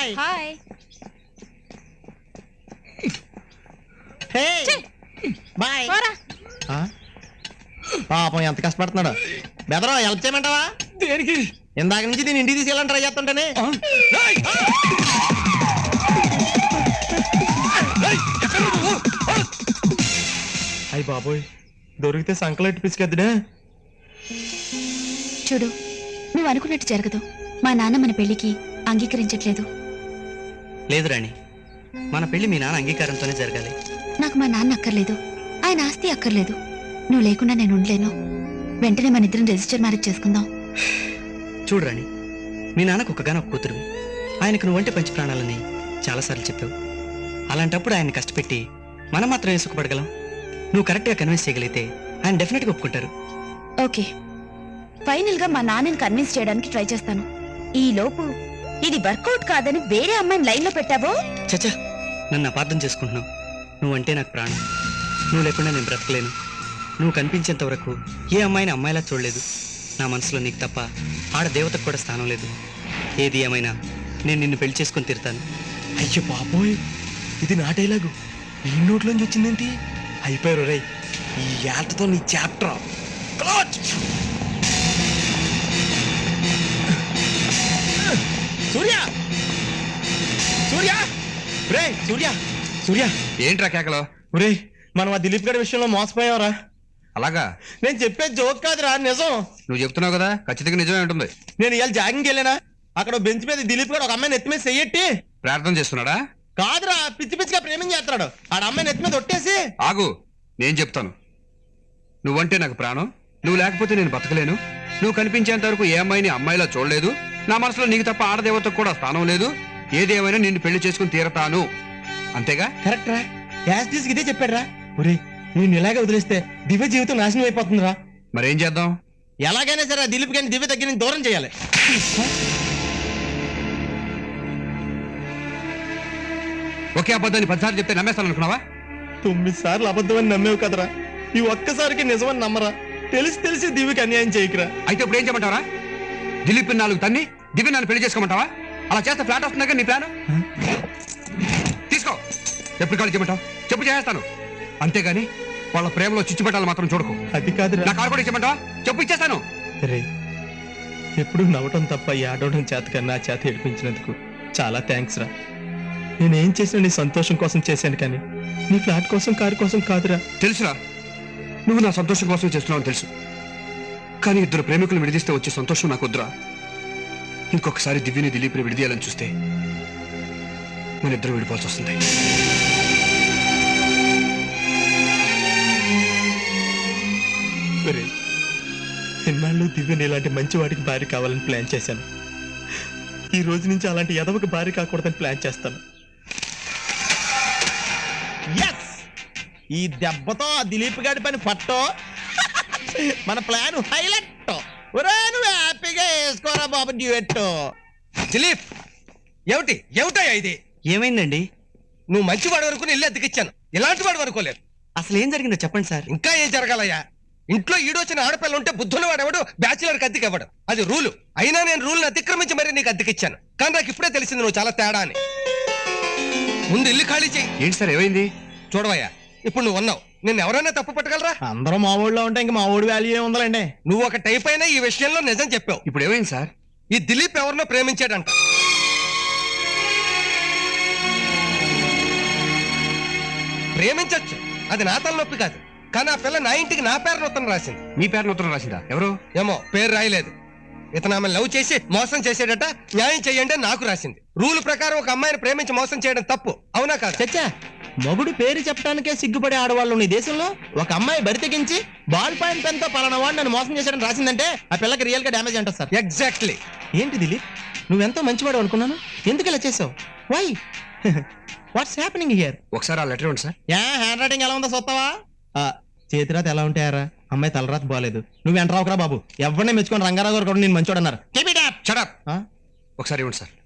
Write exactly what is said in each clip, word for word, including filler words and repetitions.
Hi hi. హే bye. పోరా. పాపం ఎంత కష్టపడుతున్నాడు. బెదరో హెల్ప్ చేయమంటావా? దేనికి? ఇందాక నుంచి నేను ఇంటికి తీసుకెళ్ళాలని ట్రై చేస్తుంటానే. అయ్యి బాబోయ్, దొరికితే సంకలెట్టి పిసికెద్దుడే. చూడు, నువ్వు అనుకున్నట్టు జరగదు. మా నాన్న మన పెళ్లికి అంగీకరించట్లేదు. లేదు రాణి, మన పెళ్లి మీ నాన్న అంగీకారంతోనే జరగాలి. నాకు మా నాన్న అక్కర్లేదు, ఆయన ఆస్తి అక్కర్లేదు. నువ్వు లేకుండా నేను ఉండలేను. వెంటనే మన ఇద్దరం రిజిస్టర్ మ్యారేజ్ చేసుకుందాం. చూడు రాణి, మీ నాన్నకు ఒక్కగానొక్క కూతురు. ఆయనకు నువ్వంటే పంచి ప్రాణాలని చాలాసార్లు చెప్పావు. అలాంటప్పుడు ఆయన కష్టపెట్టి మనం మాత్రమే సుఖపడగలం. నువ్వు కరెక్ట్గా కన్విన్స్ చేయగలిగితే ఆయన డెఫినెట్గా ఒప్పుకుంటారు. ఓకే, ఫైనల్ గా మా నాన్నని కన్విన్స్ చేయడానికి ట్రై చేస్తాను. ఈ లోపు ఇది వర్కౌట్ కాదని వేరే అమ్మాయిని లైన్ లో పెట్టావో. చచ్చా, నన్ను అపార్థం చేసుకుంటున్నావు. నువ్వంటే నాకు ప్రాణం. నువ్వు లేకుండా నేను బ్రతకలేను. నువ్వు కనిపించేంత వరకు ఏ అమ్మాయిని అమ్మాయిలా చూడలేదు. నా మనసులో నీకు తప్ప ఆడ దేవతకు కూడా స్థానం లేదు. ఏది ఏమైనా నేను నిన్ను పెళ్లి చేసుకుని తీరుతాను. అయ్యో బాబోయ్, ఇది నా డైలాగు ఈ నోట్లోంచి వచ్చిందేంటి? అయిపోయారు రై, ఈ ఏటతో నీ చాప్టర్ క్లోజ్. సూర్య సూర్య రే సూర్య సూర్య ఏంట్రా కేకలో? ఒరే, మనం ఆ దిలీప్ గారి విషయంలో మోసపోయావరా. అలాగా? నేను చెప్పే జోక్ కాదురా, నిజం. నువ్వు చెప్తున్నావు కదా, ఖచ్చితంగా నిజమే ఉంటుంది. నేను ఇవాళ జాగింగ్కి వెళ్ళానా, అక్కడ బెంచ్ మీద దిలీప్ గారు ఒక అమ్మాయిని ఎత్తి మీద చెయ్యట్టి ప్రార్థన చేస్తున్నాడా? కాదురా, పిచ్చి పిచ్చిగా ప్రేమించేస్తున్నాడు. ఆడ అమ్మాయిని ఎత్తి మీద ఒట్టేసి. ఆగు, నేను చెప్తాను. నువ్వంటే నాకు ప్రాణం. నువ్వు లేకపోతే నేను బతకలేను. నువ్వు కనిపించేంత వరకు ఏ అమ్మాయిని అమ్మాయిలా చూడలేదు. నా మనసులో నీకు తప్ప ఆడదేవతకు కూడా స్థానం లేదు. ఏదేమైనా నిన్ను పెళ్లి చేసుకుని తీరతాను. అంతేగా? కరెక్ట్ రా, యాజ్ డీస్ ఇదే చెప్పాడు రా. ఒరే, నేను ఇలాగే వదిలేస్తే దివ్య జీవితం నాశనం అయిపోతుందిరా. మరేం చేద్దాం? ఎలాగైనా సరే ఆ దిలీప్ గారిని దివ్య దగ్గర నుంచి దూరం చేయాలి. ఒకే అబద్ధాన్ని పదిసార్లు చెప్తే నమ్మేస్తాను అనుకున్నావా? తొమ్మిది సార్లు అబద్ధం అని నమ్మేవు కదరా, ఈ ఒక్కసారికి నిజమని నమ్మరా. తెలిసి తెలిసి దివ్యకి అన్యాయం చేయకురా. అయితే ఇప్పుడు ఏం చేయమంటావరా? దిలీప్ నాలుగు తన్ని దివ్య నన్ను పెళ్లి చేసుకోమంటావా? అలా చేస్తే ఫ్లాట్ వస్తుందా నీ ప్లాన్? తీసుకో, ఎప్పుడు కాల్ చేయమంటావు చెప్పు, చేస్తాను. అంతేగాని వాళ్ళ ప్రేమలో చిచ్చుపెట్టాలి మాత్రం చూడకు. అది కాదురా. నా కాల్ కూడా ఇచ్చేమంటావా? చెప్పు, ఇచ్చేస్తాను. రే, ఎప్పుడు నవ్వటం తప్ప ఈ ఆడవడం చేత కన్నా చేత ఏడిపించినందుకు చాలా థ్యాంక్స్ రా. నేనేం చేసినా నీ సంతోషం కోసం చేశాను, కానీ నీ ఫ్లాట్ కోసం కారు కోసం కాదురా. తెలుసురా, నువ్వు నా సంతోషం కోసం చేస్తున్నావు తెలుసు. కానీ ఇద్దరు ప్రేమికులు విడిదిస్తే వచ్చే సంతోషం నాకు వద్దురా. ఇంకొకసారి దివ్యని దిలీప్ని విడిదీయాలని చూస్తే మన ఇద్దరు విడిపోవాల్సి వస్తుంది. ఎన్నాళ్ళు దివ్యని ఇలాంటి మంచి వాడికి భార్య కావాలని ప్లాన్ చేశాను. ఈ రోజు నుంచి అలాంటి ఎదవకి భార్య కాకూడదని ప్లాన్ చేస్తాను. ఈ దెబ్బతో ఆ దిలీప్ గారి పని పట్టో, మన ప్లాన్ హైలైట్. నువ్వు హ్యాపీగా వేసుకోరా బాబు డ్యూయెట్. దిలీప్, ఏమిటి ఏమిటాయా ఇది? ఏమైందండి? నువ్వు మంచి వాడి వరకు ఇల్లు అద్దెకిచ్చాను, ఇలాంటి వాడు వరకోలేదు. అసలు ఏం జరిగిందో చెప్పండి సార్. ఇంకా ఏం జరగాలయ్యా? ఇంట్లో ఈడొచ్చిన ఆడపిల్ల ఉంటే బుద్ధున్న వాడెవడు బ్యాచులర్కి అద్దెకి ఇవ్వడం, అది రూలు. అయినా నేను రూల్ని అతిక్రమించి మరీ నీకు అద్దెకిచ్చాను. కానీ నాకు ఇప్పుడే తెలిసింది నువ్వు చాలా తేడా అని. ముందు ఇల్లు ఖాళీ చెయ్యి. ఏంటి సార్, ఏమైంది? చూడవయ్యా, ఇప్పుడు నువ్వు ఉన్నావు, నేను ఎవరైనా తప్పు పట్టగలరా? అందరూ మా ఊళ్ళో ఉంటే ఇంకా మా ఊడి వాల్యూ ఏముందండి. నువ్వు ఒక టైప్ అయినా ఈ విషయంలో నిజం చెప్పావు. ఇప్పుడు ఏమైంది సార్? ఈ దిలీప్ ఎవరినో ప్రేమించాడంట. ప్రేమించచ్చు, అది నా తలనొప్పి కాదు. కానీ ఆ పిల్ల నా ఇంటికి నా పేరున ఉత్తరం రాసింది. మీ పేరున ఉత్తరం రాసిందా? ఎవరు? ఏమో, పేరు రాయలేదు. ఇతను ఆమె లవ్ చేసి మోసం చేసేటట. న్యాయం చేయండి అని నాకు రాసింది. రూల్ ప్రకారం ఒక అమ్మాయిని ప్రేమించి మోసం చేయడం తప్పు, అవునా కాదు? చచ్చా, మగుడు పేరు చెప్పడానికే సిగ్గుపడే ఆడవాళ్ళు ఈ దేశంలో ఒక అమ్మాయి బరి తెగించి బాల్ పాయింట్ పెన్ తో పలానా వాడు నన్ను మోసం చేశాడని రాసిందంటే ఆ పిల్లకి రియల్ గా డ్యామేజ్ అంటారు సార్. ఎగ్జాక్ట్లీ. ఏంటి దిలీప్, నువ్వెంతో మంచివాడు అనుకున్నాను, ఎందుకు ఇలా చేసావు? Why what's happening here? ఒకసారి ఆ లెటర్ ఇవ్వండి సార్. యా, హ్యాండ్ రైటింగ్ ఎలా ఉందో చూస్తావా? చేతిరాత ఎలా ఉంటాయారా? అమ్మాయి తలరాత బాలేదు. నువ్వు ఎంటరావుకరా బాబు, ఎవరిని మెచ్చుకొని రంగారావు గారు కూడా నేను మంచోడు అన్నారు. ఒకసారి ఇవ్వండి సార్.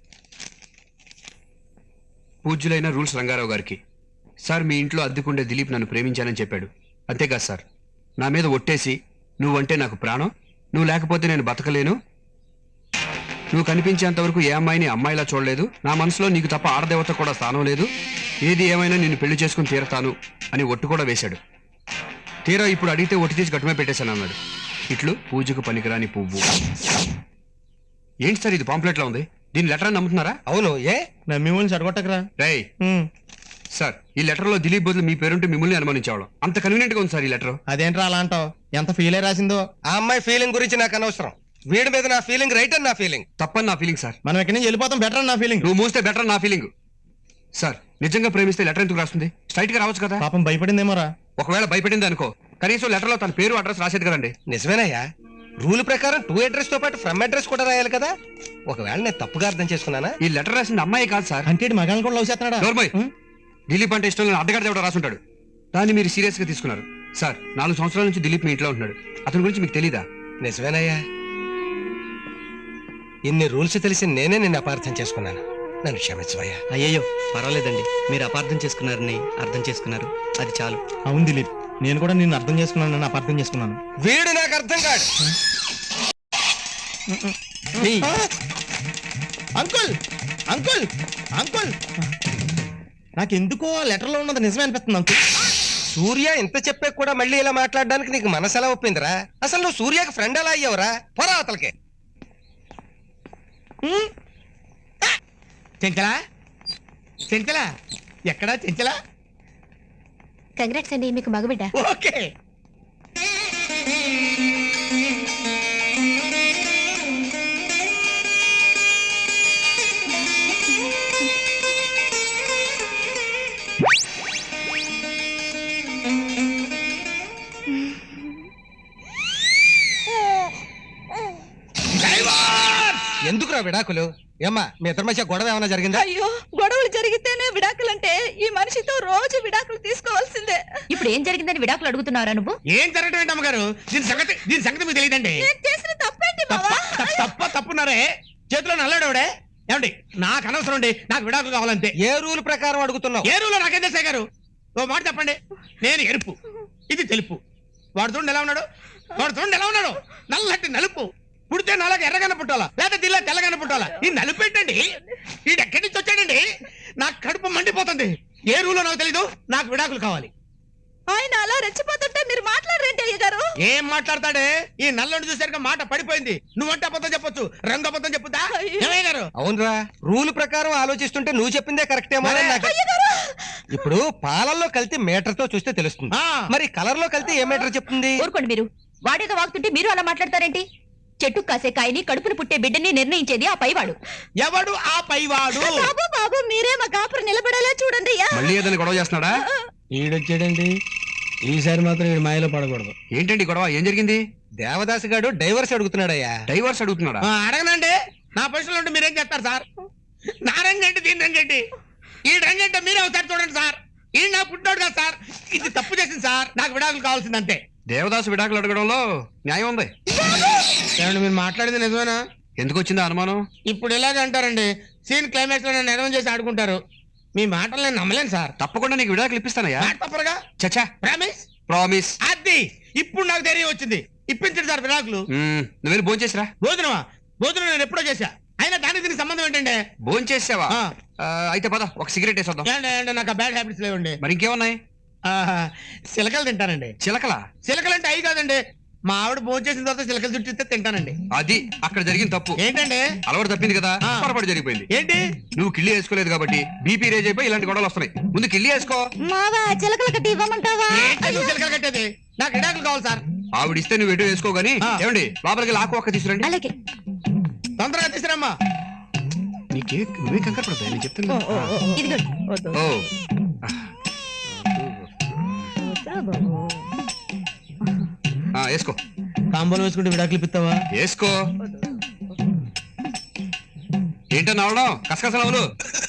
పూజ్యులైన రూల్స్ రంగారావు గారికి. సార్, మీ ఇంట్లో అద్దెకుండే దిలీప్ నన్ను ప్రేమించానని చెప్పాడు. అంతేకాదు సార్, నా మీద ఒట్టేసి నువ్వంటే నాకు ప్రాణం, నువ్వు లేకపోతే నేను బతకలేను, నువ్వు కనిపించేంత వరకు ఏ అమ్మాయిని అమ్మాయిలా చూడలేదు. నా మనసులో నీకు తప్ప ఆడదేవత కూడా స్థానం లేదు. ఏది ఏమైనా నిన్ను పెళ్లి చేసుకుని తీరతాను అని ఒట్టు కూడా వేశాడు. తీరా ఇప్పుడు అడిగితే ఒట్టి తీసి గట్టుమే పెట్టేశాను అన్నాడు. ఇట్లు పూజకు పనికిరాని పువ్వు. ఏంటి సార్ ఇది పాంప్లెట్ లో ఉంది? దీని లెటర్ అని నమ్ముతున్నారా? అవును, ఏ నమ్మి వాళ్ళని చెడగొట్టకరా. రేయ్ సార్, ఈ లెటర్ లో దిలీప్ బదులు మీ పేరుంటే మిమ్మల్ని అనుమానించేవాళ్ళం. అంత కన్వీనియంట్ గా ఉంది సార్ ఈ లెటర్. అదేంట్రా అలా అంటావు? ఎంత ఫీల్ అయి రాసిందో. ఆ అమ్మాయి ఫీలింగ్ గురించి నాకు అనవసరం. వీడి మీద నా ఫీలింగ్ రైట్ అని నా ఫీలింగ్. తప్పని నా ఫీలింగ్ సార్. మనం ఎక్కడి నుంచి వెళ్ళిపోతాం బెటర్ అని నా ఫీలింగ్. నువ్వు మూస్తే బెటర్ నా ఫీలింగ్. సార్, నిజంగా ప్రేమిస్తే లెటర్ ఎందుకు రాస్తుంది? స్ట్రైట్ గా రావచ్చు కదా. పాపం భయపడిందేమోరా. ఒకవేళ భయపడింది అనుకో, కనీసం లెటర్ లో తన పేరు అడ్రస్ రాసేది కదండి. నిజమేనయ్యా, రూల్ ప్రకారం టూ అడ్రస్ తో పాటు ఫ్రమ్ అడ్రస్ కూడా రాయాలి కదా. ఒకవేళ నేను తప్పుగా అర్థం చేసుకున్నానా? ఈ లెటర్ రాసింది అమ్మాయి కాదు సార్. అంటే మగాళ్ళని కూడా లవ్ చేస్తున్నాడా? నోర్మయ్, దిలీప్ అంటే ఇష్టం లేని అడ్డగాడు ఎవడో రాసుంటాడు. దాన్ని మీరు సీరియస్ గా తీసుకున్నారు. సార్, నాలుగు సంవత్సరాల నుంచి దిలీప్ మీ ఇంట్లో ఉంటున్నాడు. అతని గురించి మీకు తెలీదా? నిజమేనయ్యా, ఇన్ని రూల్స్ తెలిసి నేనే నిన్ను అపార్థం చేసుకున్నాను. నన్ను క్షమించవయ్యా. అయ్యయ్యో పర్వాలేదండి, మీరు అపార్థం చేసుకున్నారని అర్థం చేసుకున్నారు, అది చాలు. అవును దిలీప్, నేను కూడా నిన్ను అర్థం చేసుకున్నాను, నన్ను అపార్థం చేసుకున్నాను. వీడు నాకు అర్థం కాడు. అంకుల్ అంకుల్ అంకుల్ నాకెందుకో లెటర్ లో ఉన్నది నిజమే అనిపిస్తుంది అంకుల్. సూర్య ఇంత చెప్పే కూడా మళ్ళీ ఇలా మాట్లాడడానికి నీకు మనసు ఎలా ఒప్పిందిరా? అసలు నువ్వు సూర్యకి ఫ్రెండ్ ఎలా అయ్యావురా? పొరా అవతలకి. చెంచలా చెంచలా ఎక్కడా చెంచలా? కంగ్రాట్స్ అండి, మీకు మగబిడ్డ. ఓకే. ఎందుకురా విడాకులు? ఏమ్మా, మీ ఇద్దరి మధ్య గొడవ ఏమైనా జరిగిందా? అయ్యో, గొడవలు జరిగితేనే విడాకులంటే ఈ మనిషితో రోజు విడాకులు తీసుకోవాల్సిందే. ఇప్పుడు ఏం జరిగిందని విడాకులు అడుగుతున్నారా నువ్వు? ఏం జరగటం ఏంటి అమ్మగారు? దీని సంగతి దీని సంగతి మీకు తెలియదండి. నేను చేసిన తప్పేంటి బావా? తప్ప తప్పున్నారే. చేతిలో నల్లాడేవాడే. ఏమండి, నాకు అనవసరం అండి, నాకు విడాకులు కావాలంతే. ఏ రూల్ ప్రకారం అడుగుతున్నావు? ఏ రూలో నాకేం తెలుసా గారు? ఓ మాట చెప్పండి. నేను ఎరుపు, ఇది తెలుపు. వాడు చూడండి ఎలా ఉన్నాడు, వాడు చూడండి ఎలా ఉన్నాడు. నల్లటి నలుపు. పుడితే నాలుగు ఎర్రగానే పుట్టాలా, లేదా దిల్లా తెల్లగానే పుట్టాలా? ఈ నలుపు ఏంటండి? ఈడు ఎక్కడి నుంచి వచ్చాడండి? నాకు కడుపు మండిపోతుంది. ఏ రూలో నాకు తెలీదు, నాకు విడాకులు కావాలి. ఆయన అలా రెచ్చిపోతుంటే మీరు మాట్లాడరేంటి అయ్య గారు? ఏం మాట్లాడతాడే? ఈ నల్లని చూసాక మాట పడిపోయింది. నువ్వంటే అబద్ధం చెప్పొచ్చు, రంగు అబద్ధం చెప్పుతా. ఏమయ్య గారు? అవునరా, రూల్ ప్రకారం ఆలోచిస్తుంటే నువ్వు చెప్పిందే కరెక్ట్ ఏమో. మరే. నాకు ఇప్పుడు పాలల్లో కలిసి మీటర్ తో చూస్తే తెలుస్తుంది, ఆ. మరి కలర్ లో కలిసి ఏ మీటర్ చెప్తుంది? ఊరుకోండి మీరు. వాడేదో వాగుతుంటే మీరు అలా మాట్లాడతారేంటి? చెట్టు కాసే కాయని కడుపును పుట్టే బిడ్డని నిర్ణయించేది ఆ పైవాడు. ఎవడు ఆ పైవాడు? బాబు బాబు, మీరే మా కాపురం నిలబడేలా చూడండి అయ్యా. మళ్ళీ ఏదైనా గొడవ చేస్తున్నాడా? ఈడొచ్చాడండి. ఈసారి మాత్రం ఈడు మాయలో పడకూడదు. ఏంటండి గొడవ? ఏం జరిగింది? దేవదాస్ గారు డైవర్స్ అడుగుతున్నాడయ్యా. డైవర్స్ అడుగుతున్నాడా? ఆ, అడగనండి. నా పొజిషన్లో ఉంటే మీరేం చేస్తారు సార్? నా రంగండి, దీని రంగండి. ఈ రంగంటే మీరే ఒకసారి చూడండి సార్. ఈ నా పుట్టాడు కదా సార్, ఇది తప్పు చేసింది సార్. నాకు విడాకులు కావాల్సిందంతే. దేవదాసు విడాకులు అడగడంలో న్యాయం ఉంది. ఏమండి, మీరు మాట్లాడింది నిజమేనా? ఎందుకు వచ్చిందా అనుమానం? ఇప్పుడు ఇలాగే అంటారండి. సీన్ క్లైమాక్స్ లో నన్ను ఎడవం చేసి ఆడుకుంటారు. మీ మాటలు నేను నమ్మలేను సార్. తప్పకుండా నీకు విడాకులు ఇప్పిస్తానయ్యా. మాట తప్పరుగా. చచ్చా, ప్రామిస్. ప్రామిస్. అది ఇప్పుడు నాకు ధైర్యం వచ్చింది. ఇప్పించండి సార్ విడాకులు. నువ్వు వెళ్ళి భోంచేసిరా. భోజనమా? భోజనం నేను ఎప్పుడో చేశా. అయినా దానికి దీనికి సంబంధం ఏంటంటే? భోంచేసావా? ఆ. ఆ, అయితే పద ఒక సిగరెట్ వేసొద్దాం. ఏంటి ఏంటి, నాకు బ్యాడ్ హ్యాబిట్స్ లేవండి. మరి ఇంకేమున్నాయి? ఆహా, చిలకలు తింటానండి. చిలకలా? చిలకలు అంటే అవి కాదండి. మా ఆవిడ భోజనం చేసిన తర్వాత చిలకలు చుట్టిస్తే తింటానండి. అది అక్కడ జరిగిన తప్పు. ఏంటండి? అలవాటు తప్పింది కదా, ఆ. పొరపాటు జరిగిపోయింది. ఏంటి? నువ్వు కిళ్ళి వేసుకోలేదు కాబట్టి బీపీ రేజ్ అయిపోయి ఇలాంటి గొడవలు వస్తున్నాయి. ముందు కిళ్ళి వేసుకో. మావా, చిలకల కట్టి ఇవ్వమంటావా? ఏంటి నువ్వు చిలకలు కట్టేది? నాకు విడాకులు కావాలి సార్. ఆవిడిస్తే నువ్వు ఎటు వేసుకో గానీ. ఆ. ఏమండి, లోపలికి లాకు ఒక్క తీసుకురండి. అలాగే. తొందరగా తీసుకురమ్మా. నీకే నువ్వే కంకర పడతాయి, నేను చెప్తున్నా. ఇదిగోండి. ఓ ఆ, వేసుకో కాంబోలు వేసుకుంటే విడాకులు ఇప్పిస్తావా? వేసుకో. ఏంటో అవడం కసకసలవులు.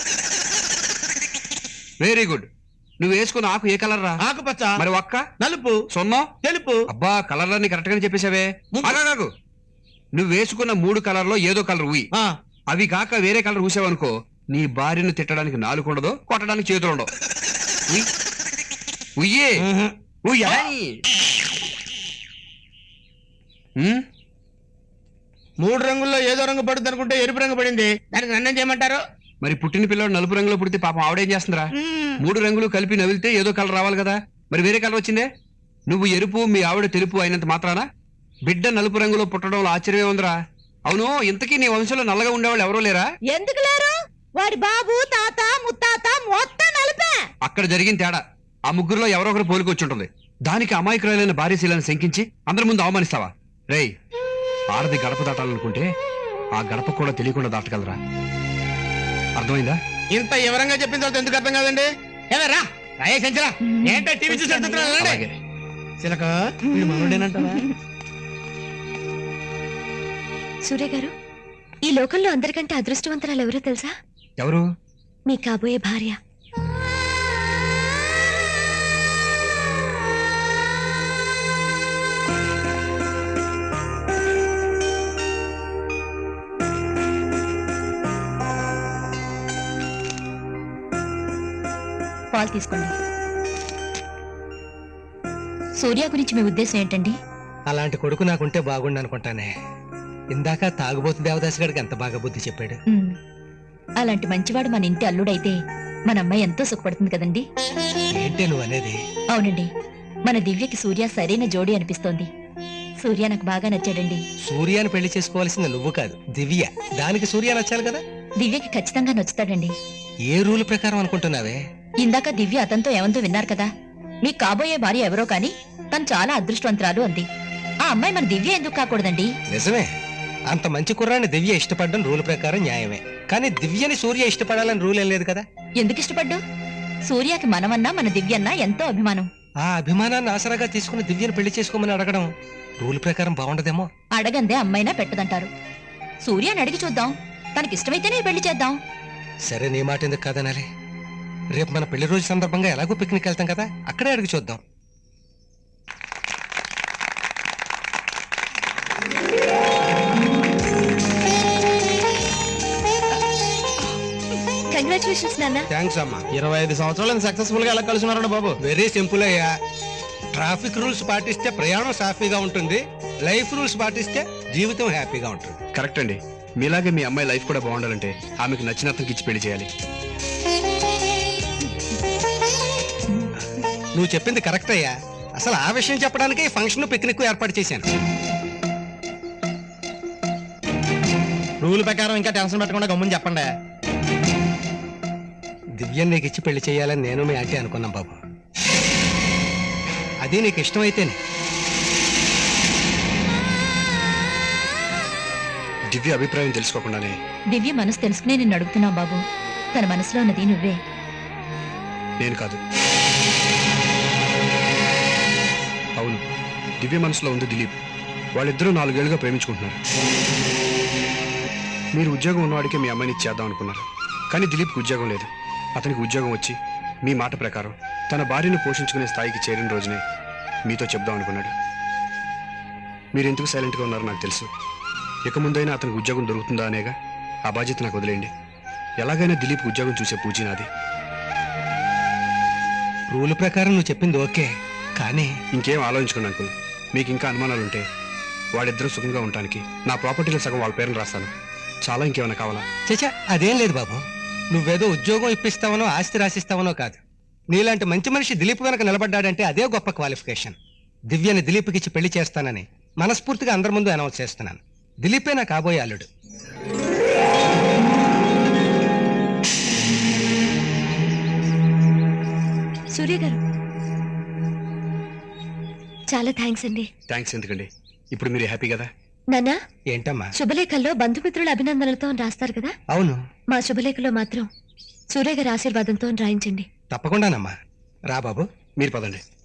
Very good. నువ్వు వేసుకున్న ఆకు ఏ కలర్ రా? ఆకుపచ్చ. మరి ఒక్క నలుపు. సొన్నం తెలుపు. అబ్బా, కలర్లన్నీ కరెక్ట్ గానే చెప్పేశావే. ఆగాగు. నువ్వు వేసుకున్న మూడు కలర్ లో ఏదో కలర్ ఉయ్. ఆ, అవి కాక వేరే కలర్ ఊసావనుకో, నీ భార్యను తిట్టడానికి నాలుగు ఉండదు, కొట్టడానికి చేతులు ఉండవు. ఉయ్. ఉయ్యే. మ్హూ. ఉయ్యాయ్. ఉమ్? మూడు రంగుల్లో ఏదో రంగు పడుతుంది అనుకుంటే ఎరుపు రంగు పడింది, దానికి నన్నేం చేయమంటారు? మరి పుట్టిన పిల్లడు నలుపు రంగులో పుడితే పాపం ఆవిడేం చేస్తుందిరా? మ్మ్. మూడు రంగులు కలిపి నవిలితే ఏదో కలర్ రావాలి కదా, మరి వేరే కలర్ వచ్చిందే. నువ్వు ఎరుపు, మీ ఆవిడ తెలుపు అయినంత మాత్రాన బిడ్డ నలుపు రంగులో పుట్టడంలో ఆశ్చర్యమే ఉందిరా. అవును, ఇంతకీ నీ వంశంలో నల్లగా ఉండేవాళ్ళు ఎవరో లేరా? ఎందుకు లేరు? వాడి బాబు తాత ముత్తాత మొత్తం నలిపే. అక్కడ జరిగిన తేడా ఆ ముగ్గురులో ఎవరో ఒకరు పోలికొచ్చుంటుంది. దానికి అమాయకురాలైన భార్యశీలను శంకించి అందరి ముందు అవమానిస్తావా? రేయ్, ఆడది గడప దాటాలనుకుంటే ఆ గడప కూడా తెలియకుండా దాటగలరా? అర్థమైందా? ఇంత వివరంగా చెప్పిన తర్వాత ఎందుకు అర్థం కాదండి? ఏమరా రాయే సంచరా, ఏంటో టీవీ చూసి అలాగే. చిలక వీడు మనోడేనంటావా? సూర్య గారు, ఈ లోకంలో అందరికంటే అదృష్టవంతరాలు ఎవరో తెలుసా? ఎవరు? మీ కాబోయే భార్య. పాలు తీసుకోండి. సూర్య గురించి మీ ఉద్దేశం ఏంటండి? అలాంటి కొడుకు నాకుంటే బాగుండు అనుకుంటానే. ఇందాక తాగుబోతు దేవదాస్ గడికి ఎంత బాగా బుద్ధి చెప్పాడు. ఉమ్, అలాంటి మంచివాడు మన ఇంటి అల్లుడైతే మన అమ్మాయి ఎంతో సుఖపడుతుంది కదండి. ఏంటి నువ్వు అనేది? అవునండి, మన దివ్యకి సూర్య సరైన జోడి అనిపిస్తోంది. సూర్య నాకు బాగా నచ్చాడండి. సూర్యాన్ని పెళ్లి చేసుకోవాల్సింది నువ్వు కాదు, దివ్య. దానికి సూర్య నచ్చాలి కదా. దివ్యకి ఖచ్చితంగా నచ్చుతాడండి. ఏ రూల్ ప్రకారం అనుకుంటున్నావే? ఇందాక దివ్య అతనితో ఏమందో విన్నారు కదా. మీ కాబోయే భార్య ఎవరో కాని తను చాలా అదృష్టవంతురాలు అంది. ఆ అమ్మాయి మన దివ్య ఎందుకు కాకూడదండి? నిజమే, అంత మంచి కుర్రాన్ని దివ్య ఇష్టపడడం రూల్ ప్రకారం న్యాయమే. కానీ దివ్యని సూర్య ఇష్టపడాలని రూల్ ఏం లేదు కదా. ఎందుకు ఇష్టపడ్డు? సూర్యకి మనమన్నా మన దివ్యన్నా ఎంతో అభిమానం. ఆ అభిమానాన్ని ఆసరాగా తీసుకుని దివ్యని పెళ్లి చేసుకోమని అడగడం రూల్ ప్రకారం బాగుండదేమో. అడగందే అమ్మైనా పెట్టదంటారు. సూర్యని అడిగి చూద్దాం, తనకిష్టమైతేనే పెళ్లి చేద్దాం. సరే, నీ మాట ఎందుకు కాదనాలి. రేపు మన పెళ్లి రోజు సందర్భంగా ఎలాగో పిక్నిక్ వెళ్తాం కదా, అక్కడే అడిగి చూద్దాం. కంగ్రాచులేషన్స్ నాన్న. థ్యాంక్స్ అమ్మా. ఇరవై ఐదు సంవత్సరాలు సక్సెస్ఫుల్ గా ఎలా కలుసున్నారండి బాబు? వెరీ సింపుల్ అయ్యా. ట్రాఫిక్ రూల్స్ పాటిస్తే ప్రయాణం సాఫీగా ఉంటుంది, లైఫ్ రూల్స్ పాటిస్తే జీవితం హ్యాపీగా ఉంటుంది. కరెక్ట్ అండి. మీలాగే మీ అమ్మాయి లైఫ్ కూడా బాగుండాలంటే ఆమెకు నచ్చిన అతనికి ఇచ్చి పెళ్లి చేయాలి. నువ్వు చెప్పింది కరెక్ట్ అయ్యా. అసలు ఆ విషయం చెప్పడానికి ఫంక్షన్ పిక్నిక్ ఏర్పాటు చేశాను. రూల్ ప్రకారం ఇంకా టెన్షన్ పెట్టకుండా గమ్ముని చెప్పండి. దివ్యం నీకు ఇచ్చి పెళ్లి చేయాలని నేను మీ ఆంటీ అనుకున్నాం బాబు. అది నీకు ఇష్టమైతేనే. దివ్య అభిప్రాయం తెలుసుకోకుండానే దివ్య మనసు తెలుసుకునే నిన్ను అడుగుతున్నావు బాబు. తన మనసులో ఉన్నది నువ్వే. నేను కాదు. అవును, దివ్య మనసులో ఉంది దిలీప్. వాళ్ళిద్దరూ నాలుగేళ్లుగా ప్రేమించుకుంటున్నారు. మీరు ఉద్యోగం ఉన్నవాడికే మీ అమ్మాయిని ఇచ్చేద్దాం అనుకున్నారు. కానీ దిలీప్కి ఉద్యోగం లేదు. అతనికి ఉద్యోగం వచ్చి మీ మాట ప్రకారం తన భార్యను పోషించుకునే స్థాయికి చేరిన రోజునే మీతో చెప్దాం అనుకున్నాడు. మీరు ఎందుకు సైలెంట్గా ఉన్నారో నాకు తెలుసు. ఇక ముందైనా అతనికి ఉద్యోగం దొరుకుతుందా అనేగా ఆ బాధ్యత నాకు వదిలేయండి. ఎలాగైనా దిలీప్ ఉద్యోగం చూసే పూజీ నాది. రూల్ ప్రకారం నువ్వు చెప్పింది ఓకే, కానీ ఇంకేం ఆలోచించుకోండి అంకుల్. మీకు ఇంకా అనుమానాలుంటే వాడిద్దరూ సుఖంగా ఉండటానికి నా ప్రాపర్టీలో సగం వాళ్ళ పేరుని రాస్తాను. చాలా ఇంకేమైనా కావాలా? చచ్చా, అదేం లేదు బాబు. నువ్వేదో ఉద్యోగం ఇప్పిస్తావనో ఆస్తి రాసిస్తావనో కాదు. నీలాంటి మంచి మనిషి దిలీప్ వెనక నిలబడ్డాడంటే అదే గొప్ప క్వాలిఫికేషన్. దివ్యని దిలీప్కి ఇచ్చి పెళ్లి చేస్తానని మనస్ఫూర్తిగా అందరి ముందు అనౌన్స్ చేస్తున్నాను. దిలీపే నా కాబోయే అల్లుడు. సూర్య గారు, చాలా థ్యాంక్స్ అండి. థ్యాంక్స్ ఎందుకండి, ఇప్పుడు మీరు హ్యాపీ కదా? నాన్నా, ఏంటమ్మా? శుభలేఖల్లో బంధుమిత్రుల అభినందనలతో రాస్తారు కదా, అవును. మా శుభలేఖలో మాత్రం సూర్య గారి ఆశీర్వాదంతో రాయించండి. తప్పకుండానమ్మా. రా బాబు. మీరు పదండి.